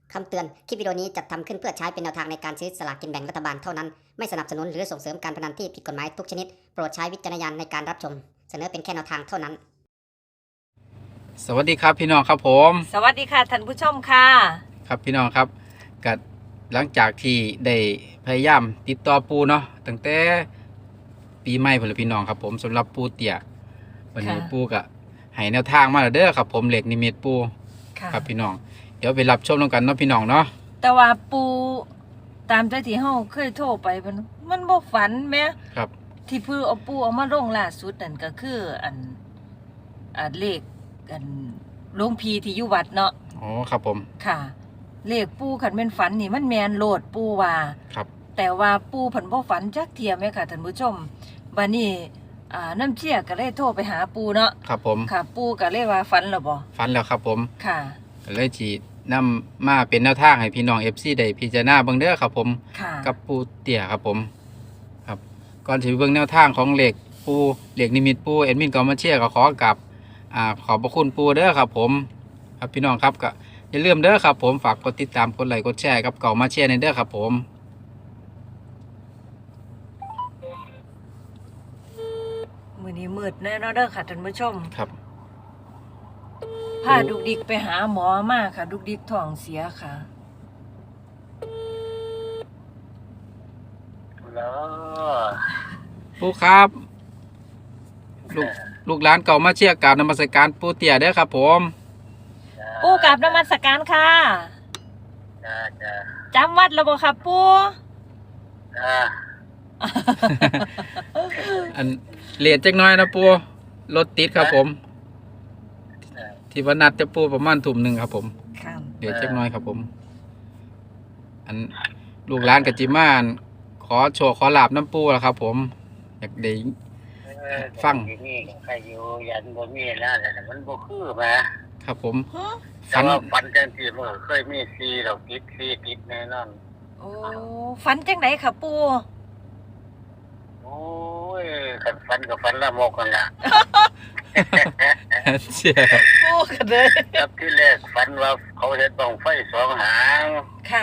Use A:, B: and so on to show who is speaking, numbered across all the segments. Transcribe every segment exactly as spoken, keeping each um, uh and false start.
A: คำเตือน คลิปวิดีโอนี้จัดทำขึ้นเพื่อใช้เป็นแนวทางในการซื้อสลากกินแบ่งรัฐบาลเท่านั้น ไม่สนับสนุนหรือส่งเสริมการพนันที่ผิดกฎหมายทุกชนิด โปรดใช้วิจารณญาณในการรับชม เสนอเป็นแค่แนวทางเท่านั้น
B: สวัสดีครับพี่น้องครับผม
C: สวัสดีค่ะท่านผู้ชมค่ะ
B: ครับพี่น้องครับกัหลังจากที่ได้พยายามติดต่อปูเนาะตั้งแต่ปีใหม่พุ่นละพี่น้องครับผมสำหรับปูเตี่ยวันนี้
C: ค่ะ
B: ปูก็ให้แนวทางมาแล้วเด้อครับผมเหล็กนิมิตปู
C: ค่ะ
B: ครับพี่น้องเดี๋ยวไปรับชมกันเนาะพี่น้องเนาะ
C: แต่ว่าปูตามใจที่เฮาเคยโทรไปมันมันบ่ฝันแหม
B: ครับ
C: ที่เพิ่นเอาปูเอามาลงล่าสุดนั่นก็คืออันอันเลขอันหลวงพีที่อยู่วัดเนาะ
B: อ๋อครับผม
C: ค่ะ เลขปูคันแม่นฝันนี่มันแม่นโลดปูว่า
B: ครับ
C: แต่ว่าปูเพิ่นบ่ฝันจักเที่ยแม่ค่ะท่านผู้ชมบัดนี้อ่าน้ำเชี่ยก็เลยโทรไปหาปูเนาะ
B: ครับผม
C: ค่ะ ปูก็เลยว่าฝันแล้วบ่
B: ฝันแล้วครับผม
C: ค่ะ
B: ก็เลยจีนำมาเป็นแนวทางให้พี่น้อง เอฟ ซี ได้พิจารณาเบิ่งเด้อครับผม
C: ค่ะ
B: กับปูเตี่ยครับผมครับก่อนที่เบิ่งแนวทางของเหล็กปูเหล็กนิมิตปูแอดมินก็มาเชียร์ก็ขอกับอ่าขอบพระคุณปูเด้อครับผมครับพี่น้องครับก็อย่าลืมเด้อครับผมฝากกดติดตามกดไลค์กดแชร์กับเก่ามาเชียร์ในเด้อครับผม
C: มื้อนี้มืดแน่เนาะเด้อค่ะท่านผู้ชม
B: ครับ
C: พาดุกดิกไปหาหมอมาค่ะ ดุกดิกท้องเสียค่ะ
D: แล้ว
B: ปูครับลูกลูกหลานเก่ามาเชียร์กราบนมัสการปูเตี่ยเด้อครับผม
C: ปู่กราบนมัสการค่ะ
D: จ้าจ้า
C: จำวัดแล้วบ่ค่ะปู่
D: จ้า
B: อันเลทจักหน้อยนะปูรถติดครับผม ที่วันนัดจะปูประมาณทุ่มหนึ่งครับผม
C: ค่ะ
B: เดี๋ยวเช็คน้อยครับผม อันลูกหลานกับจิมานขอโชว์ขอลาบน้ำปูแล้วครับ ผมอยากได้ ฟัง
D: ที่นี่ใครอยู่ยันบ่มีแล้วแต่มันบ่คือมา
B: ครับผม
C: ฮะ
D: แต่
B: ฝัน
D: ว่าฟันจังซี่มันก็เคยมีซีดอกติดซีติดแน่นอน
C: โอ้ฝันจังไดค่ะปู่
D: โอ้ยคันฟันกับฟันละมกกันล่ะ
B: เชี่ย
C: ปู่ก็เลย
D: ครับที่แรกฟันว่าเขาเฮ็ดบังไฟสองหาง
C: ค่ะ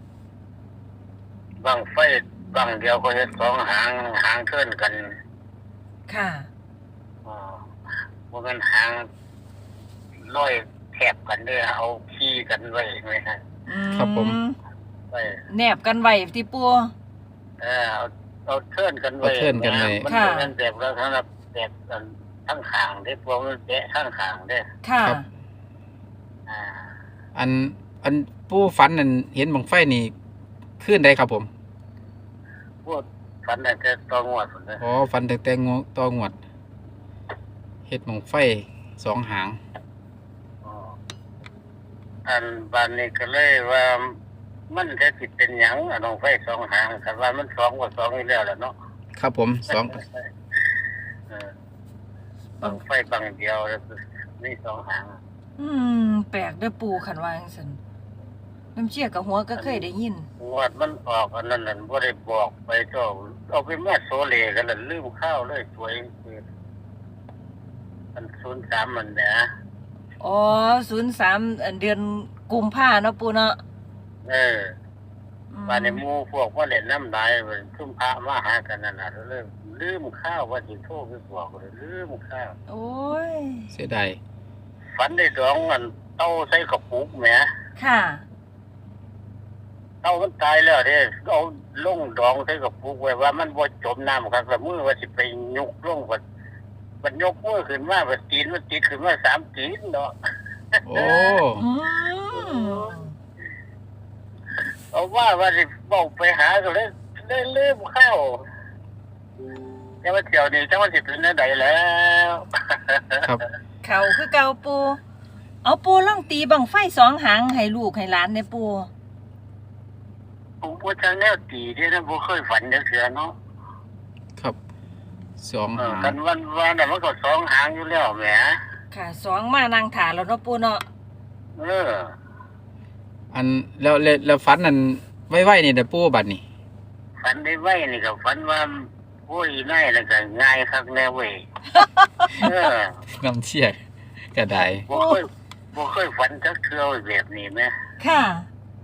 D: บังไฟบังเดียวก็เฮ็ดสองหางหางเคลื่อนกัน
C: ค่ะ
D: อ๋อบ่แม่นหางลอยแถบกันเด้อเอาขี้กันไว้ไว้ฮะ
C: อื
B: ครับผม
D: ไว้
C: แนบกันไว้ที่ปู่
D: เออเอาเอาเทิร์นกันไว้
B: เอาเทิร์นกันไว้
D: มัน
C: ค่ะ
D: เป็นแบบแล้วสำหรับแบบทั้งขางได้พวกมันแตะทั้งขางได้
C: ค่ะ
B: ครับ
D: อ่า
B: อันอันปูฝันนั่นเห็นบังไฟนี่ขึ้นได้ครับผม
D: พวกฝันแต่จะตองวดผมเลย
B: อ๋อฝันแต่แต่งวตองวดเฮ็ดบังไฟสองหาง
D: อ๋ออันบานนี้ก็เลยว่ามันจะผิดเป็นหยังอะน้องไฟสองหางแต่ว่ามันสองกว่าสองอยู่แล้วล่ะเนาะ
B: ครับผมสอง
D: เออบังไฟบังเดียวแล้วนี่สองหาง
C: อืมแปลกเด้อปู่คันว่าจังซั่นน้ำเชี่ยกับหัวก็เคยได้ยิน
D: งวดมันออกอันนั้นนั่นบ่ได้บอกไปเจ้าเอาไปมาโซเลกันแล้วลืมข้าวเลยสวยคือมันศูนย์สามมันนะ
C: อ๋อศูนย์สามอันเดือนกุมภาเนาะปู่เนาะ
D: เออ
C: อืม
D: มาในหมู่พวกว่าเล่นน้ำลายเพิ่นซุ่มพระมาหากันนั่นน่ะเริ่มลืมข้าวว่าสิโทรไปบอกเลยลืมข้าว
C: โอ้ย
B: เสียดาย
D: ฝันได้ดองมันเต้าใส่กระปุกแหม
C: ค่ะ
D: เต้ามันตายแล้วเด้เอาลงดองใส่กระปุกไว้ว่ามันบ่จมน้ำครับแล้วมือว่าสิไปยกลงบัดบัดยกมือขึ้นมาบัดตีนมันติดขึ้นมาสามตีนเนาะ
B: โอ้
C: อืม
D: เอาว่าว่าสิบอกไปหาก็เลยเลยลืมข้าวแต่ว่าเที่ยวนี้จังว่าสิเป็นจังไดแล้ว
B: ครับ
C: เขาคือเก่าปูเอาปูล่องตีบังไฟสองหางให้ลูกให้หลานในปู
D: ผมว่าทางแนวตีที่นะผมเคยฝันจังเสือเนาะ
B: ครับสอง
D: เออ
B: หาง
D: กันวันวันน่ะมันก็สองหางอยู่แล้วแหม
C: ค่ะสองมานางถาแล้วเนาะปูเนาะ
D: เออ
B: อันแล้วแล้วแล้วฝันนั่นไว้ๆนี่เด้อปูบัดนี่
D: ฝันได้ไว้นี่ก็ฝันว่าโอ้ยนายแล้วก็ง่ายคักแน่เว้ยเออ
B: น้ำเชี่ยก็ได้
D: บ่เคยบ่เคยฝันจักเทื่อแบบนี้แหม
C: ค่ะ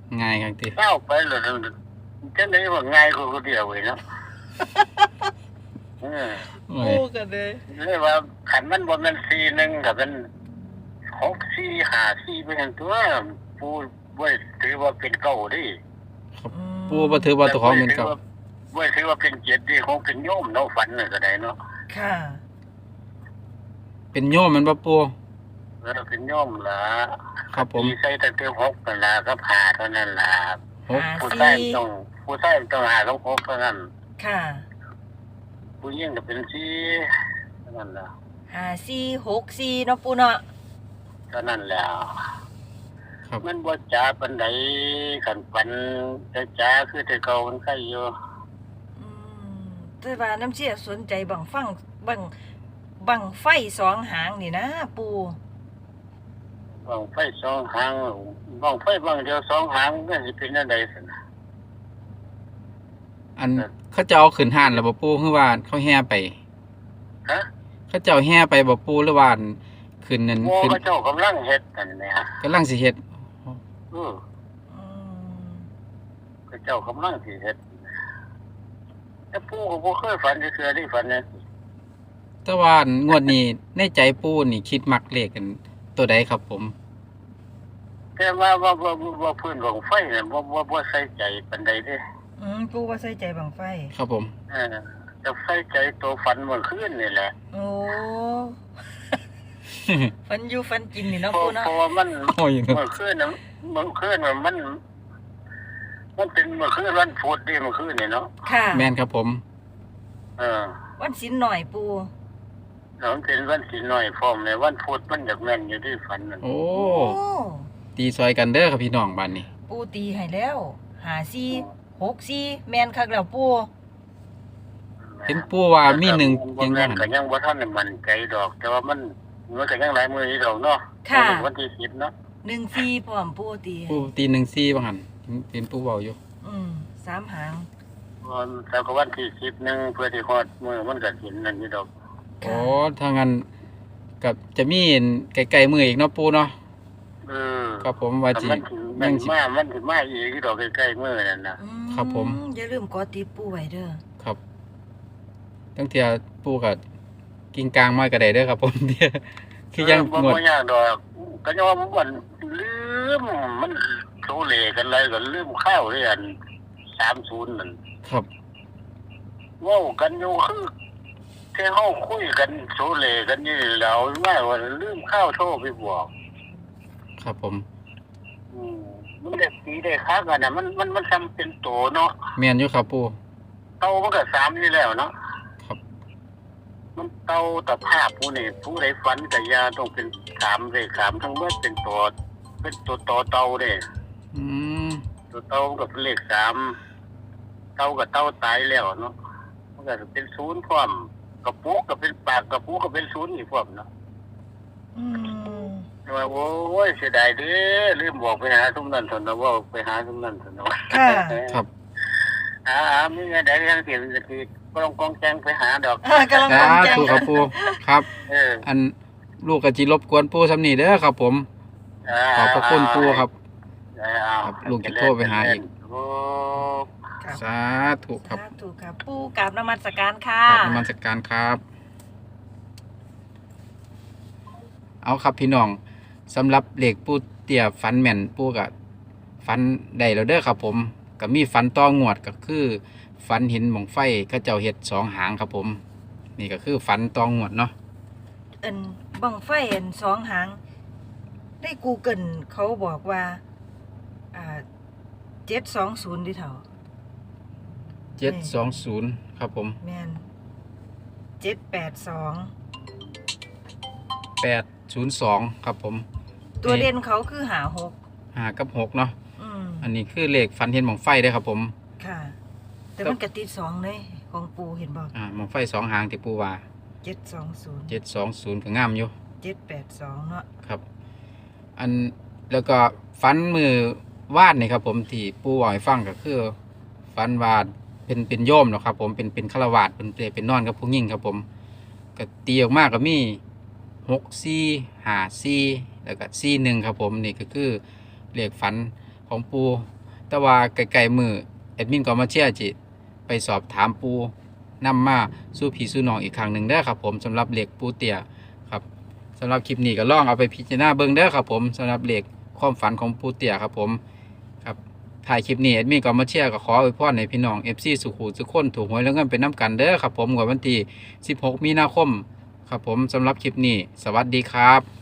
B: ง่ายครับติ
D: เศร้าไปเลยจังได๋ว่าง่ายกว่าคนเดียวเว้ยเนาะเออ
B: โอ้
C: ปู
B: ย
C: กันเลย
D: เลยว่าขันมันบ่แม่นสี่หนึ่งกับมันหกสี่ห้าสี่ไปทั้งตัวผู้บ่ถือว่าเป็นเก้าดิ
B: ปูบ่ถือว่าตัวของเป็นเก่า
D: บ่ถือว่าเป็นเจ็ดดิคงเป็นโยมเนาะฝันน่ะก็ได้เนาะ
C: ค่ะ
B: เป็นโยมมันบ่ปู
D: เออเป็นโยมล่ะ
B: ครับผม
D: ตีใส่ตั้งแต่หกนั่นล่ะกับห้าเท่านั้นล่ะ
B: หก
C: หา
D: ผู้
C: สี่
D: ชายต้องผู้ชายต้องหากับหกเท่านั้น
C: ค่ะ
D: ผู้หญิงก็เป็นสี่เท่านั้นล่ะ
C: หาสี่หกสี่เนาะปูเนาะ
D: เท่านั้นแล้ว
B: ครับ
D: มันบ่จ๋าปานใดคันปันแต่จ๋าคือแต่เก่ามันใครอยู่
C: อืมแต่ว่าน้ำเชี่ยสนใจบังฟังบังบังไฟสองหางนี่นะปู
D: บ้างไฟสองหางบ้างไฟบ้างเดียวสองหางมันสิเป็นอันใดซั่นน่ะ
B: อันเขาเจ้าเอาขึ้นห้านแล้วบ่ปูคือว่าเขาแห่ไป
D: ฮะ
B: เขาเจ้าแห่ไปบ่ปูหรือว่าขึ้นนั่น
D: โอ้
B: ขึ้น
D: เขาเจ้ากำลังเฮ็ดนั่นแหละ
B: กำลังสิเฮ็ด
D: เออ
C: อืม
D: เขาเจ้ากำลังสิเฮ็ดแต่ปู่ก็บ่เคยฝันจักเทื่อได้ฝันนะ
B: แต่ว่างวดนี้ในใจปูนี่คิดมักเลขกันตัวใดครับผม
D: แต่ว่าว่าว่าว่าว่าพื้นของไฟน่ะบ่บ่บ่ใส่ใจปานใดเด้
C: อืมปูว่าใส่ใจบังไฟ
B: ครับผม
D: เออจะใส่ใจตัวฝันเมื่อคืนนี่แหละ
C: โอ้ ฟันอยู่ฟันกินนี่เนาะ
D: เพราะ
C: ปูเนาะ
D: เพราะว่ามัน
B: โอ้ย
D: เมื่อคืนน่ะเมื่อคืนน่ะมัน มันเป็นเมื่อคืนวันพุธเด้เมื่อคืนนี่เนาะ
C: ค่ะ
B: แม่นครับผม
D: เออ
C: วันสินหน่อยปู
D: แล้วมันเป็นวันสิน้อยพร้อมเลยวันพุธมันอยากแม่นอยู่ที่ฝันนั่น
B: โอ้
C: โอ้
B: ตีซอยกันเด้อครับพี่น้องบ้านนี้
C: ปูตีให้แล้วหาสี่หกสี่แมนคักแล้วปู
B: เห็นปูว่ามีหนึ่ง
D: บ่
B: ยัง
D: แม่
B: ว่าน หั่น
D: ก็ยังบ่ทันได้มั่นใจดอก แต่ว่ามันมันก็ยังหลายมื้ออยู่ดอกเนาะ
C: ค่ะ
D: วันที่สิบเนาะ
C: หนึ่งสี่พร้อมปูตี
B: ปูตีหนึ่งซี่บ่หั่นเห็นปูเว้าอยู่
C: อืมสามหาง
D: วันแล้วก็วันที่สิบหนึงเพื่อที่ฮอดมื้อมันก็สินนั่นอยู่ดอก
B: อ๋อถ้างั้นกับจะมีไกลๆมืออีกเนาะปูเนาะ
D: เออ
B: ครับผมว่า
D: แต่
B: สิ
D: มันสิมันมามันสิมาอีกอยู่ดอกใกล้ๆมื้อนั่นน่ะ
C: อื
B: ครับผม
C: อย่าลืมกดติดปูไว้เด้อ
B: ครับตั้งเที่ยปูก็กินกลางมาก็ได้เด้อครับผม เดี๋ยวคือยัง
D: เบ่
B: งวด
D: บ่ยากดอกก็ยังว่ามันลืมมันโซเลกันเลยก็ลืมข้าวเรียนสามสิบนั่น
B: ครับ
D: เว้ากันอยู่คือแค่เฮาคุยกันโซเลกันนี่แล้วว่าว่าลืมข้าวโทรไปบอก
B: ครับผม
D: อืมมันได้สีได้คักกันน่ะมันมันมันทำเป็นโตเนาะ
B: แม่นอยู่ครับปู
D: เตามันก็สามนี่แล้วเนาะ
B: ครับ
D: มันเตาตะภาพผู้นี่ผู้ใดฝันก็อย่าต้องเป็นสามเลยสามทั้งหมดเป็นตัวเป็นตัวต่อเตาเด้
B: อืม
D: ตัวเตามันก็เป็นเลขสามเตากับเตาตายแล้วเนาะมันก็เป็นศูนย์พร้อมกระปุกก็เป็นปากกระปุกก็เป็นศูนย์อีกพร้อมเนาะ
C: อืม
D: แต่ว่าโอ้ยเสียดายเด้อลืมบอกไปหาทุกนั้นสนนะว่าไปหาทุกนั้นสนนะ
C: ค่ะ
B: ครับ
D: อ่ามีเงินได้ทางเสียงก็คือกองกองแจงไปหาดอก
C: อ่ากำลัง
B: สาก
C: ำลังใจ
B: ธุครับปูครับ
D: เออ
B: อันลูกก็จิรบกวนปูสำนีเด้อครับผม ขอบพระคุณปูครับ ครับลูกจะโทรไปหาอีก
D: โอ้
C: ครับ
B: สาธุครับ
C: สาธุครับปูกราบนมัสการค่ะ
B: ขอบนมัสการครับ เอาครับพี่น้องสำหรับเหล็กปูเตี่ยฟันแม่นปูกับฟันได้แล้วเด้อครับผมก็มีฟันต่องวดก็คือฟันเห็นหมองไฟเขาเจ้าเห็ดสองหางครับผม นี่ก็คือฟันต่องวดเนาะ
C: เอินบังไฟเอินสองหางได้กูเกิลเขาบอกว่า อ่าเจ็ดสองศูนย์ดิเถา
B: เจ็ดสองศูนย์ครับผม
C: แมนเจ็ดแปดสอง
B: แปดศูนย์สองครับผม
C: ตัวเด่นเขาคือหาหก
B: หากับหกเนาะ
C: อืม
B: อันนี้คือเหล็กฟันเห็นหมองไฟเด้อครับผม
C: ค่ะ แต่มันกระติดสองเลยของปูเห็นบอก
B: อ่าหมองไฟสองหางที่ปูว่า
C: เจ็ดสองศูนย์
B: เจ็ดสองศูนย์ก็งามอยู่
C: เจ็ดแปดสองเนาะ
B: ครับ อันแล้วก็ฟันมือวาดนี่ครับผมที่ปูบอกให้ฟังก็คือฟันวาดเป็นเป็นโยมเนาะครับผมเป็นเป็นฆราวาสเป็นเป็นนอนกับผู้หญิงครับผมก็ตีออกมาก็มีหกสี่ห้าสี่แล้วก็สี่หนึ่งครับผมนี่ก็คือเลขฝันของปูแต่ว่าไกลๆมือแอดมินก็มาเชียร์จิไปสอบถามปูนำมาสู่พี่สู่น้องอีกครั้งหนึ่งเด้อครับผมสำหรับเหล็กปูเตี่ยครับสำหรับคลิปนี้ก็ลองเอาไปพิจารณาเบิ่งเด้อครับผมสำหรับเหล็กความฝันของปูเตี่ยครับผมครับถ่ายคลิปนี้แอดมินก็มาเชียร์ก็ขออวยพรให้พี่น้อง เอฟ ซี สุขุทุกคนถูกหวยแล้วเงินเป็นน้ำกันเด้อครับผมวันที่สิบหกมีนาคมครับผมสำหรับคลิปนี้สวัสดีครับ